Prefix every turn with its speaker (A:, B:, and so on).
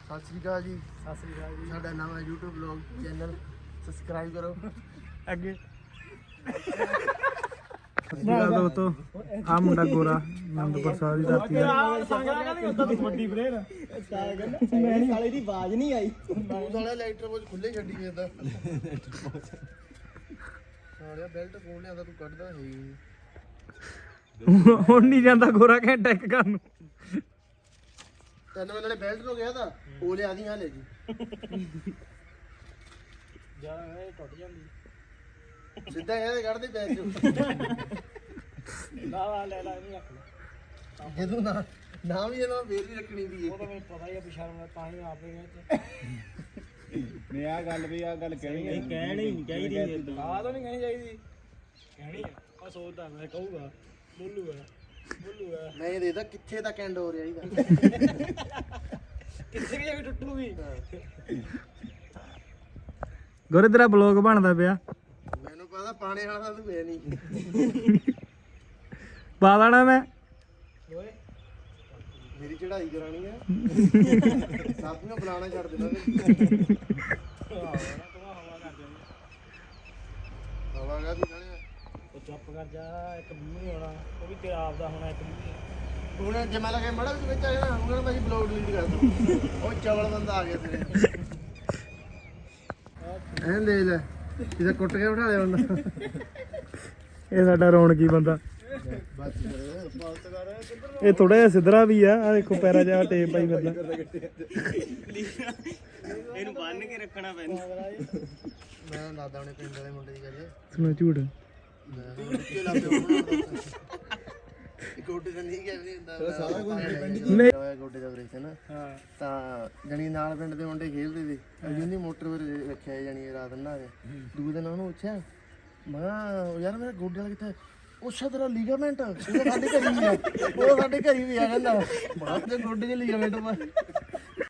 A: ਸਤਿ ਸ੍ਰੀ ਅਕਾਲ ਜੀ। ਸਤਿ ਸ੍ਰੀ ਅਕਾਲ ਜੀ। ਸਾਡਾ ਨਵਾਂ YouTube ਵਲੌਗ ਚੈਨਲ ਸਬਸਕ੍ਰਾਈਬ ਕਰੋ। ਅੱਗੇ
B: ਯਾਰ ਦੋਸਤੋ ਆ ਮੁੰਡਾ ਗੋਰਾ ਆਨੰਦਪੁਰ ਸਾਹਿਬ ਦੀ ਧਰਤੀ ਹੈ।
C: ਸਾਲੇ ਦੀ ਆਵਾਜ਼ ਨਹੀਂ ਆਈ।
A: ਤੂੰ ਸਾਲਿਆ ਲਾਈਟਰ ਬੋਝ ਖੁੱਲੇ ਛੱਡੀ ਜਾਂਦਾ। ਸਾਲਿਆ ਬੈਲਟ ਕੋਲ ਲਿਆਂਦਾ ਤੂੰ ਕੱਢਦਾ ਹੈ ਹੀ ਨਹੀਂ।
B: ਹੁਣ ਨਹੀਂ ਜਾਂਦਾ ਗੋਰਾ ਘੰਟਾ ਇੱਕ ਕਰਨ ਨੂੰ।
A: ਤੈਨੂੰ ਮੈਂ ਨਾਲੇ ਬੈਲਟ ਨੂੰ ਗਿਆ ਤਾਂ ਉਹ ਲਿਆ ਦੀ ਹਾਲੇ ਜੀ।
C: ਜਾ ਇਹ ਟੁੱਟ ਜਾਂਦੀ।
A: ਸਿੱਧਾ ਇਹਦੇ ਕੱਢ ਦੇ ਬੈਗ ਚੋਂ।
C: ਲਾ ਲੈ ਨਹੀਂ ਰੱਖ ਲੈ।
A: ਜਦੋਂ ਨਾ ਵੀ ਇਹਨਾਂ ਫੇਰ ਵੀ ਰੱਖਣੀ ਦੀ
C: ਉਹ ਤਾਂ ਮੈਨੂੰ ਪਤਾ ਹੀ ਆ ਪਿਛਾੜ ਤਾਂ ਹੀ ਆਪੇ ਗਏ
D: ਨਹੀਂ ਆ ਗੱਲ ਕਹਿਣੀ
C: ਨਹੀਂ ਕਹਿਣੀ ਚਾਹੀਦੀ ਆ ਤਾਂ ਨਹੀਂ ਕਹਿਣੀ ਚਾਹੀਦੀ। ਕਹਿਣੀ ਆ ਮੈਂ ਸੋਚਦਾ ਮੈਂ ਕਹੂਗਾ ਬੋਲੂਗਾ
A: ਮੈਂ ਇਹ ਦੇਖਦਾ ਕਿੱਥੇ ਤੱਕ ਐਂਡ ਹੋ ਰਿਹਾ ਇਹਦਾ।
C: ਕਿੱਥੇ ਜਾ ਕੇ ਟੁੱਟੂਗੀ।
B: ਗੋਰੇ ਤੇਰਾ ਬਲੌਗ ਬਣਦਾ ਪਿਆ
A: ਮੈਨੂੰ ਪਤਾ ਪਾਣੇ ਵਾਲਾ ਤਾਂ ਤੂੰ ਹੈ ਨਹੀਂ।
B: ਪਾ ਦੇਣਾ ਮੈਂ।
C: ਓਏ
A: ਮੇਰੀ ਚੜਾਈ ਕਰਾਣੀ ਹੈ। ਸਾਥੀਆਂ ਬੁਲਾਣਾ ਛੱਡ ਦੇਣਾ ਤੇ ਹਵਾ ਗਾ ਦੀ ਨਾਲੇ
C: ਉਹ ਚੁੱਪ ਕਰ ਜਾ। ਇੱਕ ਮੂੰਹ ਨਹੀਂ ਆਉਣਾ ਉਹ ਵੀ ਤੇਰਾ ਆਪਦਾ ਹੋਣਾ ਇੱਕ ਮੂੰਹ।
A: ਹੁਣ ਜੇ ਮੈਂ ਲਗੇ ਮੜਾ ਵਿੱਚ ਆ ਜਾਣਾ ਹੁਣ ਮੈਂ ਬਲੌਗ ਡਿਲੀਟ ਕਰ ਦੂੰ। ਉਹ ਚਵਲ ਬੰਦਾ ਆ ਗਿਆ ਤੇਰੇ। ਐਂ ਦੇ ਲੈ ਇਹਦਾ ਕੁੱਟ ਕੇ ਬਿਠਾ ਲਿਆ ਉਹਨਾਂ।
B: ਇਹ ਸਾਡਾ ਰੌਣਕੀ ਬੰਦਾ।
A: ਬਸ ਕਰ ਬਾਤ ਕਰ
B: ਇਹ ਥੋੜਾ ਜਿਹਾ ਸਿੱਧਰਾ ਵੀ ਆ। ਆ ਦੇਖੋ ਪੈਰਾ ਜਿਹਾ ਟੇਪ ਪਾਈ ਫਿਰਦਾ।
C: ਇਹਨੂੰ ਬੰਨ ਕੇ ਰੱਖਣਾ ਪੈਂਦਾ।
A: ਮੈਂ ਦਾਦਾ ਆਪਣੇ ਪਿੰਡ ਵਾਲੇ ਮੁੰਡੇ ਦੀ ਗੱਲ
B: ਸੁਣਾ ਝੂਠ।
A: ਕੇ ਲਾ ਪਿਓ ਗੋਡੇ ਦਾ ਨਹੀਂ ਕਹਿੰਦੇ ਹੁੰਦਾ ਸਾਰਾ ਕੁਝ
B: ਨਹੀਂ।
A: ਹੋਇਆ ਗੋਡੇ ਦਾ ਆਪਰੇਸ਼ਨ।
C: ਹਾਂ
A: ਤਾਂ ਜਣੀ ਨਾਲ ਪਿੰਡ ਦੇ ਮੁੰਡੇ ਖੇਡਦੇ ਸੀ ਅਜੂਨੀ ਮੋਟਰ ਪਰ ਰੱਖਿਆ ਜਣੀ ਰਾਤ ਨਾ ਆ ਦੂਜੇ ਦਿਨ ਉਹਨੂੰ ਪੁੱਛਿਆ ਮੈਂ ਕਿਹਾ ਯਾਰ ਮੇਰਾ ਗੋਡੇ ਵਾਲਾ ਕਿੱਥੇ ਉਸੇ ਤਰ੍ਹਾਂ ਲੀਗਾਮੈਂਟ ਉਹ ਸਾਡੇ ਘਰ ਹੀ ਆ। ਉਹ ਸਾਡੇ ਘਰ ਹੀ ਆ ਕਹਿੰਦਾ ਬਾਅਦ ਦੇ ਗੋਡੇ ਦੇ ਲੀਗਾਮੈਂਟ